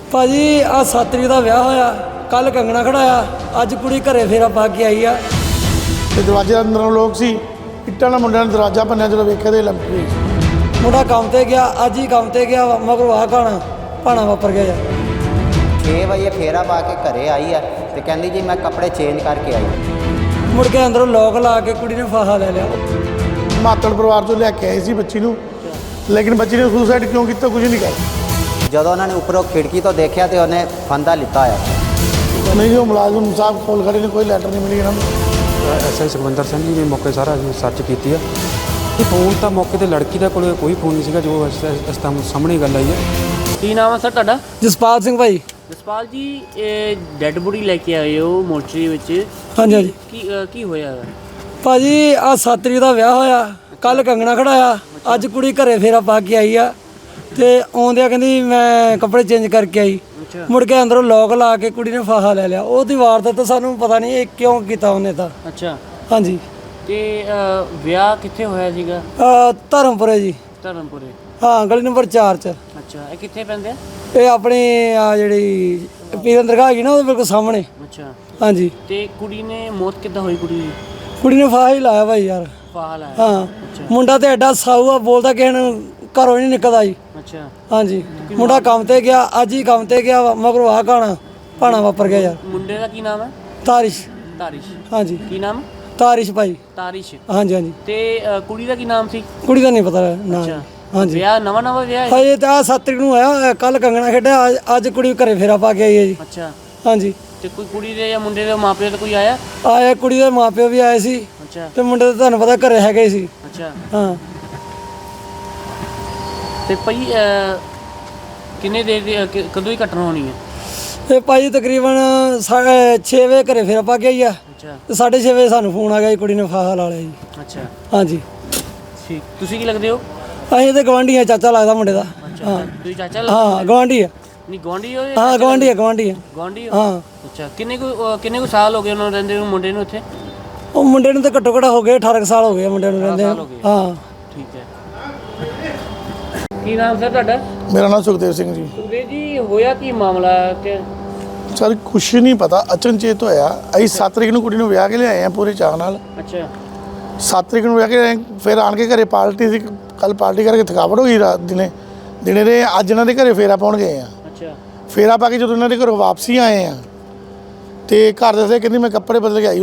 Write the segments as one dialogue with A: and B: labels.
A: ਭਾਜੀ ਆ 7 ਤਰੀਕ ਦਾ ਵਿਆਹ ਹੋਇਆ, ਕੱਲ ਕੰਗਣਾ ਖੜਾਇਆ, ਅੱਜ ਕੁੜੀ ਘਰੇ ਫੇਰਾ ਪਾ ਕੇ ਆਈ ਆ।
B: ਤੇ ਦਰਵਾਜ਼ੇ ਦੇ ਅੰਦਰੋਂ ਲੋਕ ਸੀ, ਇੱਟਾਂ ਨਾਲ ਮੁੰਡਿਆਂ ਨੇ ਦਰਵਾਜ਼ਾ ਭੰਨਿਆ। ਜਦੋਂ ਵੇਖਿਆ ਤੇ ਲੰਮੀ ਹੋਈ ਸੀ।
A: ਮੁੰਡਾ ਕੰਮ ਤੇ ਗਿਆ, ਅੱਜ ਹੀ ਕੰਮ ਤੇ ਗਿਆ, ਮਗਰੋਂ ਆਹ ਭਾਣਾ ਵਾਪਰ ਗਿਆ ਯਾਰ।
C: 6 ਵਜੇ ਫੇਰਾ ਪਾ ਕੇ ਘਰੇ ਆਈ ਆ ਤੇ ਕਹਿੰਦੀ ਜੀ ਮੈਂ ਕੱਪੜੇ ਚੇਂਜ ਕਰਕੇ ਆਈ।
A: ਮੁੜ ਕੇ ਅੰਦਰੋਂ ਲੋਕ ਲਾ ਕੇ ਕੁੜੀ ਨੇ ਫਾਹਾ ਲੈ ਲਿਆ।
B: ਮਾਤੜ ਪਰਿਵਾਰ ਤੋਂ ਲੈ ਕੇ ਆਏ ਸੀ ਬੱਚੀ ਨੂੰ, ਲੇਕਿਨ ਬੱਚੀ ਨੇ ਸੁਸਾਈਡ ਕਿਉਂ ਕੀਤਾ ਕੁਝ ਨਹੀਂ ਕਰ।
C: ਜਦੋਂ ਉਹਨਾਂ ਨੇ ਉੱਪਰੋਂ ਖਿੜਕੀ ਤੋਂ ਦੇਖਿਆ ਤੇ ਉਹਨੇ ਫੰਦਾ ਲਿੱਤਾ ਆ।
B: ਨਹੀਂ ਜੋ ਮੁਲਾਜ਼ਮ ਸਾਹਿਬ ਕੋਲ ਖੜੇ ਨੇ, ਕੋਈ ਲੈਟਰ ਨਹੀਂ ਮਿਲੀ ਇਹਨਾਂ ਨੂੰ।
D: ਐਸਆਈ ਸੁਖਵਿੰਦਰ ਸਿੰਘ ਜੀ ਨੇ ਮੌਕੇ ਸਾਰਾ ਸਰਚ ਕੀਤੀ ਆ। ਇਹ ਫੋਨ ਤਾਂ ਮੌਕੇ ਤੇ ਲੜਕੀ ਦਾ ਕੋਲ ਕੋਈ ਫੋਨ ਨਹੀਂ ਸੀਗਾ, ਜੋ ਇਸ ਤਾਂ ਸਾਹਮਣੇ ਗੱਲ ਆਈ ਹੈ।
E: ਕੀ ਨਾਮ ਹੈ ਸਰ ਤੁਹਾਡਾ?
A: ਜਸਪਾਲ ਸਿੰਘ ਭਾਈ।
E: ਜਸਪਾਲ ਜੀ, ਇਹ ਡੈੱਡ ਬੋਡੀ ਲੈ ਕੇ ਆਏ ਹੋ ਮੋਰਚਰੀ ਵਿੱਚ।
A: ਹਾਂਜੀ ਹਾਂਜੀ
E: ਕੀ ਹੋਇਆ ਹੈ
A: ਭਾਜੀ? ਆ 7 ਤਰੀਕ ਦਾ ਵਿਆਹ ਹੋਇਆ, ਕੱਲ ਕੰਗਣਾ ਖੜਾਇਆ, ਅੱਜ ਕੁੜੀ ਘਰੇ ਫੇਰਾ ਪਾ ਕੇ ਆਈ ਆ। ਤੇ ਆਉਂਦਿਆਂ ਕਹਿੰਦੀ ਮੈਂ ਕੱਪੜੇ ਚੇਂਜ ਕਰਕੇ ਆਈ। ਮੁੜ ਕੇ ਅੰਦਰੋਂ ਲੋਕ ਲਾ ਕੇ ਕੁੜੀ ਨੇ ਫਾਹਾ ਲੈ ਲਿਆ। ਉਹਦੀ ਵਾਰਦਾਤ ਤਾਂ ਸਾਨੂੰ ਪਤਾ ਨਹੀਂ ਇਹ ਕਿਉਂ ਕੀਤਾ ਉਹਨੇ ਤਾਂ।
E: ਅੱਛਾ,
A: ਹਾਂਜੀ।
E: ਤੇ ਵਿਆਹ ਕਿੱਥੇ ਹੋਇਆ ਸੀਗਾ?
A: ਧਰਮਪੁਰੇ ਜੀ।
E: ਧਰਮਪੁਰੇ?
A: ਹਾਂ, ਗਲੀ ਨੰਬਰ 4 'ਚ।
E: ਅੱਛਾ, ਇਹ ਕਿੱਥੇ ਪੈਂਦੇ ਆ?
A: ਇਹ ਆਪਣੀ ਆ ਜਿਹੜੀ ਪੀਰਨ ਦਰਗਾਹ ਹੈਗੀ ਨਾ, ਉਹਦੇ ਬਿਲਕੁਲ ਸਾਹਮਣੇ।
E: ਅੱਛਾ,
A: ਹਾਂਜੀ।
E: ਤੇ ਕੁੜੀ ਨੇ ਮੌਤ ਕਿੱਦਾਂ ਹੋਈ?
A: ਕੁੜੀ ਨੇ ਫਾਹਾ ਹੀ ਲਾਇਆ ਭਾਈ ਯਾਰ।
E: ਫਾਹਾ ਲਾਇਆ?
A: ਹਾਂ। ਮੁੰਡਾ ਤੇ ਐਡਾ ਸਾਊ ਆ, ਬੋਲਦਾ ਕਿਸੇ ਨੂੰ ਘਰੋਂ ਨਹੀਂ ਨਿਕਲਦਾ ਜੀ।
E: ਅੱਛਾ।
A: ਹਾਂਜੀ। ਮੁੰਡਾ ਕੰਮ ਤੇ ਗਿਆ, ਅੱਜ ਹੀ ਕੰਮ ਤੇ ਗਿਆ, ਮਗਰੋਂ ਆਹ ਭਾਣਾ ਵਾਪਰ ਗਿਆ ਯਾਰ।
E: ਮੁੰਡੇ ਦਾ ਕੀ ਨਾਮ ਹੈ?
A: ਤਾਰਿਸ਼।
E: ਤਾਰਿਸ਼?
A: ਹਾਂਜੀ।
E: ਕੀ ਨਾਮ?
A: ਤਾਰਿਸ਼ ਭਾਈ।
E: ਤਾਰਿਸ਼?
A: ਹਾਂਜੀ ਹਾਂਜੀ।
E: ਤੇ ਕੁੜੀ ਦਾ ਕੀ ਨਾਮ ਸੀ?
A: ਕੁੜੀ ਦਾ ਨਹੀਂ ਪਤਾ ਨਾ।
E: ਅੱਛਾ।
A: ਹਾਂਜੀ।
E: ਵਿਆਹ ਨਵਾਂ ਵਿਆਹ ਹੈ?
A: ਹਜੇ ਤਾਂ 7 ਤਰੀਕ ਨੂੰ ਹੋਇਆ, ਕੱਲ ਕੰਗਣਾ ਖੇਡਿਆ, ਅੱਜ ਕੁੜੀ ਘਰੇ ਫੇਰਾ ਪਾ ਕੇ ਆਈ ਹੈ ਜੀ।
E: ਅੱਛਾ।
A: ਹਾਂਜੀ।
E: ਤੇ ਕੋਈ ਕੁੜੀ ਦੇ ਜਾਂ ਮੁੰਡੇ ਦੇ ਮਾਪਿਆਂ ਤੋਂ ਕੋਈ ਆਇਆ?
A: ਆਇਆ, ਕੁੜੀ ਦੇ ਮਾਪਿਓ ਵੀ ਆਏ ਸੀ।
E: ਅੱਛਾ।
A: ਤੇ ਮੁੰਡੇ ਤਾਂ ਤੁਹਾਨੂੰ ਪਤਾ ਘਰੇ ਹੈਗੇ ਹੀ ਸੀ।
E: ਅੱਛਾ।
A: ਹਾਂ।
E: ਤੇ ਭਾਈ ਕਿੰਨੇ ਦੇਰ ਦੀ ਕਦੋਂ ਹੀ ਘਟਨਾ ਹੋਣੀ ਹੈ?
A: ਤੇ ਭਾਈ ਤਕਰੀਬਨ 6 ਵਜੇ ਘਰੇ ਫੇਰਾ ਪਾ ਕੇ ਆਈ ਆ।
E: ਅੱਛਾ।
A: ਤੇ 6:30 ਵਜੇ ਸਾਨੂੰ ਫੋਨ ਆ ਗਿਆ ਜੀ, ਕੁੜੀ ਨੇ ਫਾਹਾ ਲਾ ਲਿਆ ਜੀ।
E: ਅੱਛਾ।
A: ਹਾਂਜੀ।
E: ਠੀਕ। ਤੁਸੀਂ ਕੀ ਲੱਗਦੇ ਹੋ?
A: ਅਸੀਂ ਤੇ ਗਵਾਂਢੀ ਆ, ਚਾਚਾ ਲੱਗਦਾ ਮੁੰਡੇ ਦਾ।
E: ਅੱਛਾ, ਤੁਸੀਂ ਚਾਚਾ
A: ਹਾਂ, ਗਵਾਂਢੀ ਆ।
E: ਨਹੀਂ ਗਵਾਂਢੀ ਹੋ?
A: ਹਾਂ, ਗਵਾਂਢੀ ਆ, ਗਵਾਂਢੀ ਆ।
E: ਗਵਾਂਢੀ ਹੋ?
A: ਹਾਂ।
E: ਅੱਛਾ, ਕਿੰਨੇ ਕੁ ਸਾਲ ਹੋ ਗਏ ਉਹਨਾਂ ਨੂੰ ਰਹਿੰਦੇ ਨੂੰ, ਮੁੰਡੇ ਨੂੰ ਇੱਥੇ?
A: ਉਹ ਮੁੰਡੇ ਨੂੰ ਤਾਂ ਘੱਟੋ ਘੱਟ ਹੋ ਗਏ 18 ਸਾਲ ਹੋ ਗਏ ਮੁੰਡੇ ਨੂੰ ਰਹਿੰਦੇ। ਹਾਂ।
E: ਠੀਕ ਹੈ। ਕੀ ਨਾਮ ਸਰ ਤੁਹਾਡਾ?
B: ਮੇਰਾ ਨਾਮ ਸੁਖਦੇਵ ਸਿੰਘ ਜੀ।
E: ਸੁਖਦੇਵ ਜੀ, ਹੋਇਆ ਕੀ ਮਾਮਲਾ ਕਿ?
B: ਸਰ ਕੁਛ ਨਹੀਂ ਪਤਾ, ਅਚਨਚੇਤ ਹੋਇਆ। ਅਸੀਂ 7 ਤਰੀਕ ਨੂੰ ਕੁੜੀ ਨੂੰ ਵਿਆਹ ਕੇ ਲਿਆਏ ਆ ਪੂਰੇ ਚਾਅ ਨਾਲ।
E: ਅੱਛਾ।
B: 7 ਤਰੀਕ ਨੂੰ ਵਿਆਹ ਕੇ ਆਏ, ਫਿਰ ਆਣ ਕੇ ਘਰੇ ਪਾਰਟੀ ਸੀ। ਕੱਲ ਪਾਰਟੀ ਕਰਕੇ ਥਕਾਵਟ ਹੋ ਗਈ, ਰਾਤ ਦਿਨੇ ਦੇ ਅੱਜ ਇਹਨਾਂ ਦੇ ਘਰੇ ਫੇਰਾ ਪਾਉਣ ਗਏ ਆ।
E: ਅੱਛਾ।
B: ਫੇਰਾ ਪਾ ਕੇ ਜਦੋਂ ਇਹਨਾਂ ਦੇ ਘਰੋਂ ਵਾਪਸੀ ਆਏ ਆ ਤੇ ਘਰ ਦੱਸੇ ਕਹਿੰਦੀ ਮੈਂ ਕੱਪੜੇ ਬਦਲ ਕੇ ਆਈ।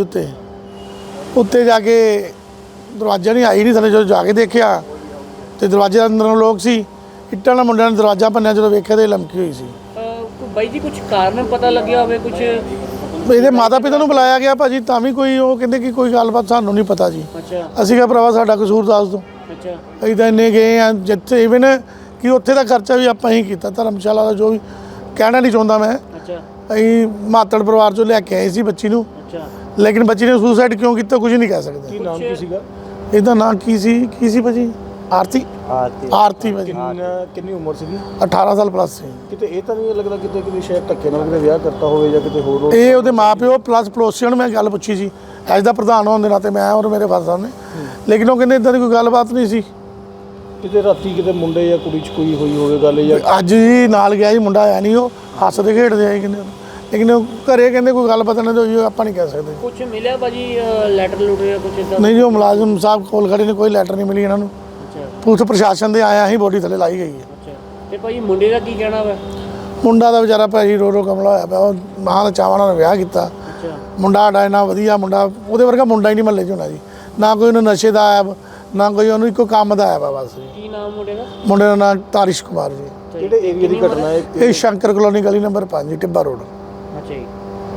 B: ਉੱਤੇ ਜਾ ਕੇ ਦਰਵਾਜ਼ਾ ਨਹੀਂ ਆਈ ਨਹੀਂ ਥੱਲੇ। ਜਦੋਂ ਜਾ ਕੇ ਦੇਖਿਆ ਤੇ ਦਰਵਾਜ਼ੇ ਦੇ ਅੰਦਰੋਂ ਲੋਕ ਸੀ, ਇੱਟਾਂ ਨਾਲ ਮੁੰਡਿਆਂ ਨੇ ਦਰਵਾਜ਼ਾ ਭੰਨਿਆ। ਜਦੋਂ ਵੇਖਿਆ ਤੇ ਲੰਮੀ ਹੋਈ ਸੀ।
E: ਬਾਈ ਜੀ, ਕੁਝ ਕਾਰਨ ਪਤਾ ਲੱਗਿਆ ਹੋਵੇ? ਕੁਝ
B: ਇਹਦੇ ਮਾਤਾ ਪਿਤਾ ਨੂੰ ਬੁਲਾਇਆ ਗਿਆ ਭਾਜੀ, ਤਾਂ ਵੀ ਕੋਈ ਉਹ ਕਹਿੰਦੇ ਕਿ ਕੋਈ ਗੱਲਬਾਤ ਸਾਨੂੰ ਨਹੀਂ ਪਤਾ ਜੀ।
E: ਅੱਛਾ।
B: ਅਸੀਂ ਕਿਹਾ ਭਰਾਵਾ ਸਾਡਾ ਕਸੂਰ ਦੱਸ ਦਿਓ।
E: ਅੱਛਾ।
B: ਅਸੀਂ ਤਾਂ ਇੰਨੇ ਗਏ ਆ ਜਿੱਥੇ ਇਵਨ ਕਿ ਉੱਥੇ ਦਾ ਖਰਚਾ ਵੀ ਆਪਾਂ ਹੀ ਕੀਤਾ, ਧਰਮਸ਼ਾਲਾ ਦਾ, ਜੋ ਵੀ ਕਹਿਣਾ ਨਹੀਂ ਚਾਹੁੰਦਾ ਮੈਂ।
E: ਅੱਛਾ।
B: ਅਸੀਂ ਮਾਤੜ ਪਰਿਵਾਰ ਤੋਂ ਲੈ ਕੇ ਆਏ ਸੀ ਬੱਚੀ ਨੂੰ,
E: ਅੱਛਾ।
B: ਲੇਕਿਨ ਬੱਚੀ ਨੇ ਸੁਸਾਈਡ ਕਿਉਂ ਕੀਤਾ ਕੁਝ ਨਹੀਂ ਕਹਿ ਸਕਦੇ।
D: ਕੀ ਨਾਮ ਕੀ ਸੀਗਾ?
B: ਇਹਦਾ ਨਾਂ ਕੀ ਸੀ ਭਾਜੀ? ਆਰਤੀ ਭਾਜੀ।
D: ਕਿੰਨੀ ਉਮਰ ਸੀਗੀ?
B: 18 ਸਾਲ ਪਲੱਸ ਸੀ।
D: ਕਿਤੇ ਇਹ ਤਾਂ ਨਹੀਂ ਲੱਗਦਾ ਕਿਤੇ ਸ਼ਾਇਦ ਧੱਕੇ ਨਾਲ ਕਿਤੇ ਵਿਆਹ ਕਰਤਾ ਹੋਵੇ ਜਾਂ ਕਿਤੇ ਹੋਰ?
B: ਇਹ ਉਹਦੇ ਮਾਪਿਓ ਪਲੱਸ ਪੜੋਸੀਆਂ ਨੂੰ ਮੈਂ ਗੱਲ ਪੁੱਛੀ ਸੀ, ਐਜ ਦਾ ਪ੍ਰਧਾਨ ਹੋਣ ਦੇ ਨਾਤੇ ਮੈਂ ਔਰ ਮੇਰੇ ਫਾਦਰ ਸਾਹਿਬ ਨੇ, ਲੇਕਿਨ ਉਹ ਕਹਿੰਦੇ ਇਦਾਂ ਦੀ ਕੋਈ ਗੱਲਬਾਤ ਨਹੀਂ ਸੀ।
D: ਕਿਤੇ ਰਾਤੀ ਕਿਤੇ ਮੁੰਡੇ ਜਾਂ ਕੁੜੀ 'ਚ ਕੋਈ ਹੋਈ ਹੋਵੇ ਗੱਲ? ਜਾਂ
B: ਅੱਜ ਹੀ ਨਾਲ ਗਿਆ ਜੀ ਮੁੰਡਾ, ਆਇਆ ਨਹੀਂ, ਉਹ ਹੱਸਦੇ ਖੇਡਦੇ ਆਏ ਕਹਿੰਦੇ, ਲੇਕਿਨ ਉਹ ਘਰੇ ਕਹਿੰਦੇ ਕੋਈ ਗੱਲ ਪਤਾ ਨਹੀਂ ਹੋਈ, ਆਪਾਂ ਨਹੀਂ ਕਹਿ ਸਕਦੇ।
E: ਕੁਝ ਮਿਲਿਆ ਭਾਜੀ? ਲੈਟਰ ਲੁਟਰ ਕੁਝ ਇਦਾਂ?
B: ਨਹੀਂ ਜੋ ਮੁਲਾਜ਼ਮ ਸਾਹਿਬ ਕੋਲ ਖੜੇ ਨੇ, ਕੋਈ ਲੈਟਰ ਨਹੀਂ ਮਿਲੀ ਇਹਨਾਂ ਨੂੰ।
E: ਅੱਛਾ।
B: ਪੁਲਿਸ ਪ੍ਰਸ਼ਾਸਨ ਦੇ ਆਇਆ ਹੀ ਬੋਡੀ ਥੱਲੇ ਲਾਈ ਗਈ ਹੈ।
E: ਅੱਛਾ। ਤੇ ਭਾਈ ਮੁੰਡੇ ਦਾ ਕੀ ਕਹਿਣਾ ਵਾ?
B: ਮੁੰਡਾ ਦਾ ਵਿਚਾਰਾ ਭਾਜੀ ਰੋ ਕਮਲਾ ਹੋਇਆ ਪਿਆ। ਉਹ ਮਾਂ ਦਾ ਚਾਵਾਂ ਨਾਲ ਵਿਆਹ ਕੀਤਾ।
E: ਅੱਛਾ।
B: ਮੁੰਡਾ ਸਾਡਾ ਇੰਨਾ ਵਧੀਆ ਮੁੰਡਾ, ਉਹਦੇ ਵਰਗਾ ਮੁੰਡਾ ਹੀ ਨਹੀਂ ਮਹੱਲੇ 'ਚ ਹੋਣਾ ਜੀ। ਨਾ ਕੋਈ ਉਹਨੂੰ ਨਸ਼ੇ ਦਾ ਐਬ, ਨਾ ਕੋਈ ਉਹਨੂੰ ਇੱਕੋ ਕੰਮ ਦਾ ਐਬ ਆ ਬਸ।
E: ਕੀ ਨਾਮ ਮੁੰਡੇ ਦਾ?
B: ਮੁੰਡੇ ਦਾ ਨਾਮ ਤਾਰਿਸ਼ ਕੁਮਾਰ ਜੀ।
D: ਕਿਹੜੇ ਏਰੀਆ ਦੀ ਘਟਨਾ ਹੈ?
B: ਇਹ ਸ਼ੰਕਰ ਕਲੋਨੀ ਗਲੀ ਨੰਬਰ 5 ਟਿੱਬਾ ਰੋਡ।
E: ਅੱਛਾ ਜੀ।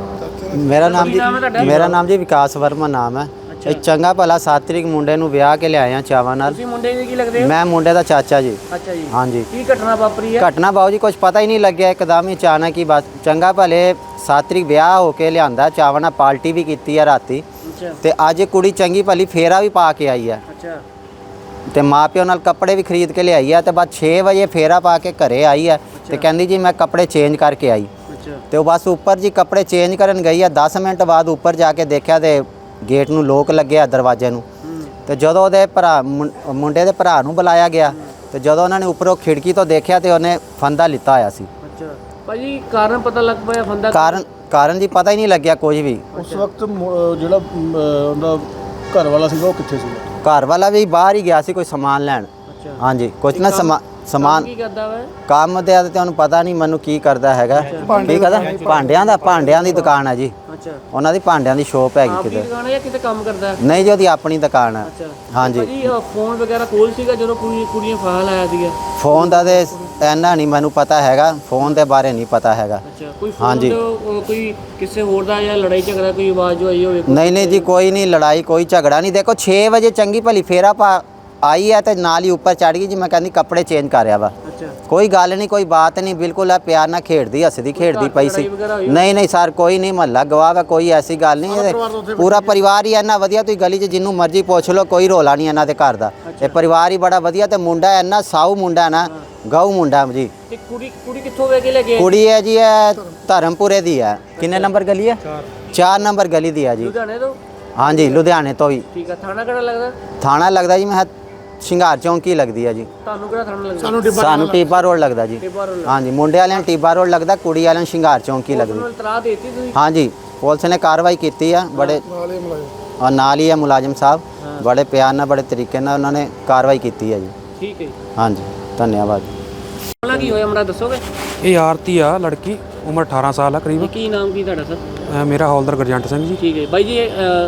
C: ਮੇਰਾ ਨਾਮ ਜੀ ਵਿਕਾਸ ਵਰਮਾ ਨਾਮ ਹੈ। ਇਹ ਚੰਗਾ ਭਲਾ 7 ਤਰੀਕ ਮੁੰਡੇ ਨੂੰ ਵਿਆਹ ਕੇ ਲਿਆਏ ਆ ਚਾਵਾਂ ਨਾਲ।
E: ਤੁਸੀਂ ਮੁੰਡੇ ਦੇ ਕੀ ਲੱਗਦੇ ਹੋ?
C: ਮੈਂ ਮੁੰਡੇ ਦਾ ਚਾਚਾ ਜੀ।
E: ਅੱਛਾ ਜੀ।
C: ਹਾਂਜੀ।
E: ਕੀ ਘਟਨਾ ਵਾਪਰੀ ਹੈ?
C: ਘਟਨਾ ਬਾਊ ਜੀ ਕੁਝ ਪਤਾ ਹੀ ਨਹੀਂ ਲੱਗਿਆ, ਇੱਕਦਮ ਹੀ ਅਚਾਨਕ ਹੀ ਬਸ। ਚੰਗਾ ਭਲੇ 7 ਤਰੀਕ ਵਿਆਹ ਹੋ ਕੇ ਲਿਆਂਦਾ ਚਾਵਾਂ ਨਾਲ, ਪਾਰਟੀ ਵੀ ਕੀਤੀ ਆ ਰਾਤੀ।
E: ਅੱਛਾ।
C: ਤੇ ਅੱਜ ਕੁੜੀ ਚੰਗੀ ਭਲੀ ਫੇਰਾ ਵੀ ਪਾ ਕੇ ਆਈ ਹੈ।
E: ਅੱਛਾ।
C: ਤੇ ਮਾਪਿਓ ਨਾਲ ਕੱਪੜੇ ਵੀ ਖਰੀਦ ਕੇ ਲਿਆਈ ਆ। ਤੇ ਬਾਅਦ 6 ਵਜੇ ਫੇਰਾ ਪਾ ਕੇ ਘਰੇ ਆਈ ਹੈ ਤੇ ਕਹਿੰਦੀ ਜੀ ਮੈਂ ਕੱਪੜੇ ਚੇਂਜ ਕਰਕੇ ਆਈ।
E: ਅੱਛਾ।
C: ਤੇ ਉਹ ਬਸ ਉੱਪਰ ਜੀ ਕੱਪੜੇ ਚੇਂਜ ਕਰਨ ਗਈ ਆ। 10 ਮਿੰਟ ਬਾਅਦ ਉੱਪਰ ਜਾ ਕੇ ਦੇਖਿਆ ਤੇ ਗੇਟ ਨੂੰ ਲੋਕ ਲੱਗਿਆ, ਦਰਵਾਜ਼ੇ ਨੂੰ। ਤੇ ਜਦੋਂ ਉਹਦੇ ਮੁੰਡੇ ਦੇ ਭਰਾ ਨੂੰ ਬੁਲਾਇਆ ਗਿਆ ਤੇ ਜਦੋਂ ਉਹਨਾਂ ਨੇ ਉੱਪਰੋਂ ਖਿੜਕੀ ਤੋਂ ਦੇਖਿਆ ਤੇ ਉਹਨੇ ਫੰਦਾ ਲਿੱਤਾ ਹੋਇਆ ਸੀ।
E: ਅੱਛਾ। ਭਾਜੀ ਕਾਰਨ ਪਤਾ ਲੱਗ ਪਿਆ ਬੰਦਾ
C: ਕਾਰਨ ਜੀ ਪਤਾ ਹੀ ਨਹੀਂ ਲੱਗਿਆ ਕੁਝ ਵੀ।
F: ਉਸ ਵਕਤ ਜਿਹੜਾ ਉਹਦਾ ਘਰ ਵਾਲਾ ਸੀਗਾ ਉਹ ਕਿੱਥੇ ਸੀਗਾ?
C: ਘਰ ਵਾਲਾ ਵੀ ਬਾਹਰ ਹੀ ਗਿਆ ਸੀ ਕੋਈ ਸਮਾਨ ਲੈਣ।
E: ਅੱਛਾ
C: ਹਾਂਜੀ ਕੁਝ ਨਾ ਸਮਾਨ
E: ਕੀ ਕਰਦਾ ਵਾ?
C: ਕੰਮ ਤੇ ਆ ਤੇ ਤੁਹਾਨੂੰ ਪਤਾ ਨਹੀਂ ਮੈਨੂੰ ਕੀ ਕਰਦਾ ਹੈਗਾ। ਕੀ ਕਰਦਾ? ਭਾਂਡਿਆਂ ਦੀ ਦੁਕਾਨ ਹੈ ਜੀ।
E: ਅੱਛਾ
C: ਉਹਨਾਂ ਦੀ ਭਾਂਡਿਆਂ ਦੀ ਸ਼ੋਪ ਹੈਗੀ
E: ਆਪਣੀ
C: ਕਿਤੇ।
E: ਦੁਕਾਨ ਹੈ ਜਾਂ ਕਿਤੇ ਕੰਮ ਕਰਦਾ?
C: ਨਹੀਂ ਜੀ ਉਹਦੀ ਆਪਣੀ ਦੁਕਾਨ ਹੈ।
E: ਅੱਛਾ
C: ਹਾਂਜੀ
E: ਭਾਜੀ ਫੋਨ ਵਗੈਰਾ ਕੋਲ ਸੀਗਾ ਜਦੋਂ ਕੁੜੀਆਂ ਫਾਹ ਲਾਇਆ ਸੀਗਾ?
C: ਫੋਨ ਦਾ ਤੇ ਇੰਨਾ ਨਹੀਂ ਮੈਨੂੰ ਪਤਾ ਹੈਗਾ, ਫੋਨ ਦੇ ਬਾਰੇ ਨਹੀਂ ਪਤਾ ਹੈਗਾ।
E: ਅੱਛਾ ਕੋਈ ਫੋਨ
C: ਹਾਂਜੀ।
E: ਕੋਈ ਕਿਸੇ ਹੋਰ ਦਾ ਜਾਂ ਲੜਾਈ ਝਗੜਾ ਕੋਈ ਆਵਾਜ਼ ਜੋ ਆਈ ਹੋਵੇ?
C: ਨਹੀਂ ਜੀ ਕੋਈ ਨਹੀਂ ਲੜਾਈ ਕੋਈ ਝਗੜਾ ਨਹੀਂ। ਦੇਖੋ 6 ਵਜੇ ਚੰਗੀ ਭਲੀ ਫੇਰਾ ਪਾ ਆਈ ਹੈ ਤੇ ਨਾਲ ਹੀ ਉੱਪਰ ਚੜ ਗਈ ਜੀ। ਮੈਂ ਕਹਿੰਦੀ ਕੱਪੜੇ ਚੇਂਜ ਕਰ ਰਿਹਾ ਵਾ।
E: ਅੱਛਾ
C: ਕੋਈ ਗੱਲ ਨਹੀਂ ਕੋਈ ਬਾਤ ਨਹੀਂ, ਬਿਲਕੁਲ ਆ ਪਿਆਰ ਨਾਲ ਖੇਡਦੀ ਹੱਸਦੀ ਖੇਡਦੀ ਪਈ ਸੀ। ਨਹੀਂ ਸਰ ਕੋਈ ਨਹੀਂ, ਮਹੱਲਾ ਗਵਾਹ ਵਾ, ਕੋਈ ਐਸੀ ਗੱਲ ਨਹੀਂ। ਪੂਰਾ ਪਰਿਵਾਰ ਹੀ ਇੰਨਾ ਵਧੀਆ, ਤੁਸੀਂ ਗਲੀ 'ਚ ਜਿੰਨੂੰ ਮਰਜ਼ੀ ਪੁੱਛ ਲਓ, ਕੋਈ ਰੋਲਾ ਨਹੀਂ ਇਹਨਾਂ ਦੇ ਘਰ ਦਾ। ਇਹ ਪਰਿਵਾਰ ਹੀ ਬੜਾ ਵਧੀਆ ਤੇ ਮੁੰਡਾ ਇੰਨਾ ਸਾਊ ਮੁੰਡਾ ਨਾ, ਗਊ ਮੁੰਡਾ ਜੀ।
E: ਤੇ ਕੁੜੀ ਕਿੱਥੋਂ ਵੇ ਕੇ ਲੈ ਗਏ?
C: ਕੁੜੀ ਹੈ ਜੀ ਇਹ ਧਰਮਪੁਰੇ ਦੀ ਹੈ। ਕਿੰਨੇ ਨੰਬਰ ਗਲੀ ਹੈ? 4 ਨੰਬਰ ਗਲੀ ਦੀ ਹੈ ਜੀ।
E: ਲੁਧਿਆਣੇ ਤੋਂ?
C: ਹਾਂਜੀ ਲੁਧਿਆਣੇ ਤੋਂ ਹੀ।
E: ਠੀਕ ਆ। ਥਾਣਾ ਕਿਹੜਾ ਲੱਗਦਾ?
C: ਥਾਣਾ ਲੱਗਦਾ ਜੀ ਮੈਂ ਸ਼ਿੰਗਾਰ ਚੌਂਕੀ ਲੱਗਦੀ ਹੈ ਜੀ।
E: ਤੁਹਾਨੂੰ ਕਿਹੜਾ ਥਾਣਾ ਲੱਗਦਾ?
C: ਸਾਨੂੰ ਟੀਬਾ ਰੋਡ ਲੱਗਦਾ ਜੀ।
E: ਟਿੱਬਾ ਰੋਡ।
C: ਹਾਂਜੀ ਮੁੰਡੇ ਵਾਲਿਆਂ ਨੂੰ ਟੀਬਾ ਰੋਡ ਲੱਗਦਾ, ਕੁੜੀ ਵਾਲਿਆਂ ਨੂੰ ਸ਼ਿੰਗਾਰ ਚੌਂਕੀ ਲੱਗਦੀ।
E: ਉਹਨੂੰ ਇਤਲਾਹ ਦੇਤੀ ਤੁਸੀਂ?
C: ਹਾਂਜੀ ਪੁਲਿਸ ਨੇ ਕਾਰਵਾਈ ਕੀਤੀ ਆ ਬੜੇ, ਔਰ ਨਾਲ ਹੀ ਹੈ ਮੁਲਾਜ਼ਮ ਸਾਹਿਬ, ਬੜੇ ਪਿਆਰ ਨਾਲ ਬੜੇ ਤਰੀਕੇ ਨਾਲ ਉਹਨਾਂ ਨੇ ਕਾਰਵਾਈ ਕੀਤੀ ਹੈ ਜੀ।
E: ਠੀਕ ਹੈ ਜੀ।
C: ਹਾਂਜੀ ਧੰਨਵਾਦ।
E: ਮਾਮਲਾ ਕੀ ਹੋਇਆ ਮਰਾ ਦੱਸੋਗੇ?
D: ਇਹ ਆਰਤੀ ਆ ਲੜਕੀ, ਉਮਰ 18 ਸਾਲ ਆ ਕਰੀਬ।
E: ਕੀ ਨਾਮ ਕੀ ਤੁਹਾਡਾ ਸਰ?
D: ਮੇਰਾ ਹੌਲਦਾਰ ਗੁਰਜੰਟ ਸਿੰਘ ਜੀ।
E: ਠੀਕ ਹੈ ਬਾਈ ਜੀ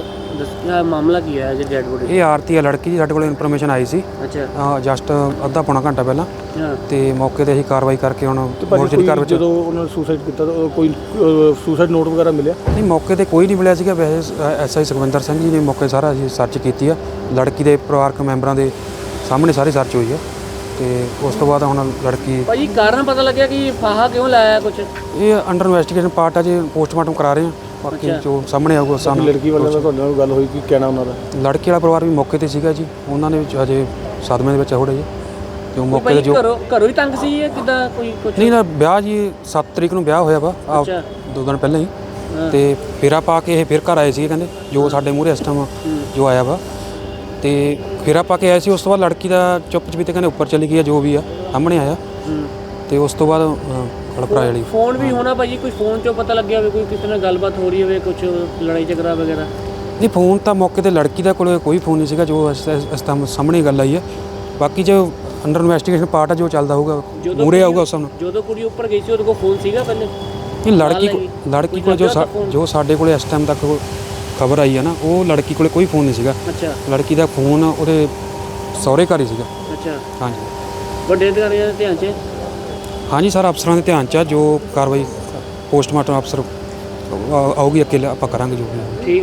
E: ਦੱਸਿਆ ਮਾਮਲਾ ਕੀ ਹੈ ਜੀ ਡੈਡ ਬੋਡੀ?
D: ਇਹ ਆਰਤੀ ਆ ਲੜਕੀ ਜੀ, ਸਾਡੇ ਕੋਲ ਇਨਫੋਰਮੇਸ਼ਨ ਆਈ ਸੀ
E: ਅੱਛਾ
D: ਜਸਟ ਅੱਧਾ ਪੌਣਾ ਘੰਟਾ ਪਹਿਲਾਂ,
E: ਹਾਂ
D: ਤੇ ਮੌਕੇ ਤੇ ਅਸੀਂ ਕਾਰਵਾਈ ਕਰਕੇ ਹੁਣ
F: ਭਾਜੀ
D: ਮੋਰਚਰੀ ਘਰ ਵਿੱਚ।
F: ਜਦੋਂ ਉਹਨਾਂ ਨੇ ਸੁਸਾਈਡ ਕੀਤਾ ਤਾਂ ਕੋਈ ਸੁਸਾਈਡ ਨੋਟ ਵਗੈਰਾ ਮਿਲਿਆ?
D: ਨਹੀਂ ਮੌਕੇ ਤੇ ਕੋਈ ਨਹੀਂ ਮਿਲਿਆ ਸੀਗਾ। ਵੈਸੇ ਐਸਆਈ ਸੁਖਵਿੰਦਰ ਸਿੰਘ ਜੀ ਨੇ ਮੌਕੇ ਸਾਰਾ ਅਸੀਂ ਸਰਚ ਕੀਤੀ ਆ, ਲੜਕੀ ਦੇ ਪਰਿਵਾਰਕ ਮੈਂਬਰਾਂ ਦੇ ਸਾਹਮਣੇ ਸਾਰੀ ਸਰਚ ਹੋਈ ਆ, ਤੇ ਉਸ ਤੋਂ ਬਾਅਦ ਹੁਣ ਲੜਕੀ।
E: ਭਾਜੀ ਕਾਰਨ ਪਤਾ ਲੱਗਿਆ ਕਿ ਫਾਹਾ ਕਿਉਂ ਲਾਇਆ ਕੁਝ?
D: ਇਹ ਅੰਡਰ ਇਨਵੈਸਟੀਗੇਸ਼ਨ ਪਾਰਟ ਆ ਜੀ, ਪੋਸਟਮਾਰਟਮ ਕਰਾ ਰਹੇ ਆ, ਬਾਕੀ ਜੋ ਸਾਹਮਣੇ ਆਊਗਾ ਸਾਨੂੰ।
F: ਲੜਕੀ ਵਾਲਿਆਂ ਨਾਲ ਤੁਹਾਡੇ ਨਾਲ ਗੱਲ ਹੋਈ, ਕੀ ਕਹਿਣਾ ਉਹਨਾਂ ਦਾ?
D: ਲੜਕੀ ਵਾਲਾ ਪਰਿਵਾਰ ਵੀ ਮੌਕੇ ਤੇ ਸੀਗਾ ਜੀ, ਉਹਨਾਂ ਨੇ ਵੀ ਹਜੇ ਸਦਮੇ ਦੇ ਵਿੱਚ ਹੋੜੇ ਜੀ, ਤੇ ਉਹ ਮੌਕੇ ਤੇ ਜੋ।
E: ਘਰੋਂ ਹੀ ਤੰਗ ਸੀ ਇਹ ਕਿਦਾਂ ਕੋਈ ਕੁਝ?
D: ਨਹੀਂ ਨਾ ਵਿਆਹ ਜੀ 7 ਤਰੀਕ ਨੂੰ ਵਿਆਹ ਹੋਇਆ ਵਾ,
E: ਅੱਛਾ
D: 2 ਦਿਨ ਪਹਿਲਾਂ ਹੀ, ਤੇ ਫੇਰਾ ਪਾ ਕੇ ਇਹ ਫਿਰ ਘਰ ਆਏ ਸੀ ਕਹਿੰਦੇ, ਜੋ ਸਾਡੇ ਮੂਹਰੇ ਇਸ ਟਾਈਮ ਜੋ ਆਇਆ ਵਾ, ਤੇ ਫੇਰਾ ਪਾ ਕੇ ਆਏ ਸੀ। ਉਸ ਤੋਂ ਬਾਅਦ ਲੜਕੀ ਦਾ ਚੁੱਪ ਚਪੀਤੇ ਕਹਿੰਦੇ ਉੱਪਰ ਚਲੀ ਗਈ ਆ, ਜੋ ਵੀ ਆ ਸਾਹਮਣੇ ਆਇਆ, ਤੇ ਉਸ ਤੋਂ ਬਾਅਦ ਹੜਪੜਾ ਵਾਲੀ।
E: ਫੋਨ ਵੀ ਹੋਣਾ ਭਾਜੀ, ਕੋਈ ਫੋਨ ਚੋਂ ਪਤਾ ਲੱਗਿਆ ਹੋਵੇ ਕੋਈ ਕਿਸੇ ਨਾਲ ਗੱਲਬਾਤ ਹੋ ਰਹੀ ਹੋਵੇ, ਕੁਝ ਲੜਾਈ ਝਗੜਾ ਵਗੈਰਾ?
D: ਨਹੀਂ ਫੋਨ ਤਾਂ ਮੌਕੇ ਤੇ ਲੜਕੀ ਦਾ ਕੋਲ ਕੋਈ ਫੋਨ ਨਹੀਂ ਸੀਗਾ, ਜੋ ਇਸ ਟਾਈਮ ਸਾਹਮਣੇ ਗੱਲ ਆਈ ਹੈ। ਬਾਕੀ ਜੋ ਅੰਡਰ ਇਨਵੈਸਟੀਗੇਸ਼ਨ ਪਾਰਟ ਆ, ਜੋ ਚੱਲਦਾ ਹੋਊਗਾ ਮੂਹਰੇ ਆਊਗਾ ਉਸ ਹਿਸਾਬ ਨਾਲ।
E: ਜਦੋਂ ਕੁੜੀ ਉੱਪਰ ਗਈ ਸੀ ਉਹਦੇ ਕੋਲ ਫੋਨ ਸੀਗਾ ਪਹਿਲੇ?
D: ਨਹੀਂ ਲੜਕੀ ਕੋਲ ਜੋ ਸਾਡੇ ਕੋਲ ਇਸ ਟਾਈਮ ਤੱਕ ਖਬਰ ਆਈ ਹੈ ਨਾ, ਉਹ ਲੜਕੀ ਕੋਲ ਕੋਈ ਫੋਨ ਨਹੀਂ ਸੀਗਾ।
E: ਅੱਛਾ
D: ਲੜਕੀ ਦਾ ਫੋਨ ਉਹਦੇ ਸਹੁਰੇ ਘਰ ਹੀ ਸੀਗਾ।
E: ਅੱਛਾ
D: ਹਾਂਜੀ
E: ਵੱਡੇ ਅਧਿਕਾਰੀਆਂ ਦੇ ਧਿਆਨ 'ਚ?
D: ਹਾਂਜੀ ਸਰ ਅਫਸਰਾਂ ਦੇ ਧਿਆਨ 'ਚ ਆ, ਜੋ ਕਾਰਵਾਈ ਪੋਸਟਮਾਰਟਮ ਅਫਸਰ ਆਊਗੀ ਅੱਗੇ ਆਪਾਂ ਕਰਾਂਗੇ ਜੋ ਵੀ।
E: ਠੀਕ।